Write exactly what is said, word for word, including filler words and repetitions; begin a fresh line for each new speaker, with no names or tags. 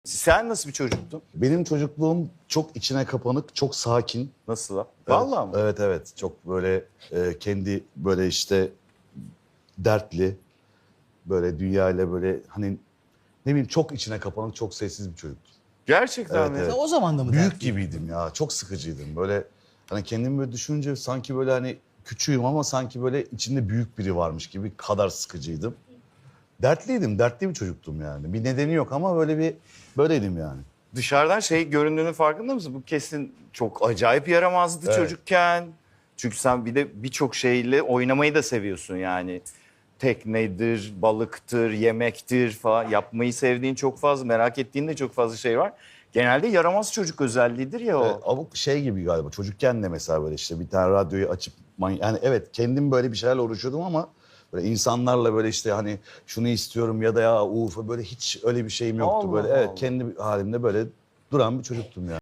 Sen nasıl bir çocuktun?
Benim çocukluğum çok içine kapanık, çok sakin.
Nasıl lan?
Evet,
Vallahi mı?
Evet evet. Çok böyle e, kendi böyle işte dertli, böyle dünyayla böyle hani ne bileyim çok içine kapanık, çok sessiz bir çocuktum.
Gerçekten
Evet,
mi?
evet.
O zaman da mı
Büyük
dertli?
gibiydim ya. Çok sıkıcıydım. Böyle hani kendimi böyle düşününce sanki böyle hani küçüğüm ama sanki böyle içinde büyük biri varmış gibi kadar sıkıcıydım. Dertliydim. Dertli bir çocuktum yani. Bir nedeni yok ama böyle bir böyleydim yani.
Dışarıdan şey göründüğünün farkında mısın? Bu kesin çok acayip yaramazdı
Evet.
çocukken. Çünkü sen bir de birçok şeyle oynamayı da seviyorsun yani. Teknedir, balıktır, yemektir falan. Yapmayı sevdiğin çok fazla, merak ettiğin de çok fazla şey var. Genelde yaramaz çocuk özelliğidir ya o.
Evet, abuk şey gibi galiba çocukken de mesela böyle işte bir tane radyoyu açıp many- yani evet kendim böyle bir şeylerle uğraşıyordum ama böyle insanlarla böyle işte hani şunu istiyorum ya da ya uf böyle hiç öyle bir şeyim yoktu
Allah
böyle evet
Allah.
kendi halimde böyle duran bir çocuktum yani.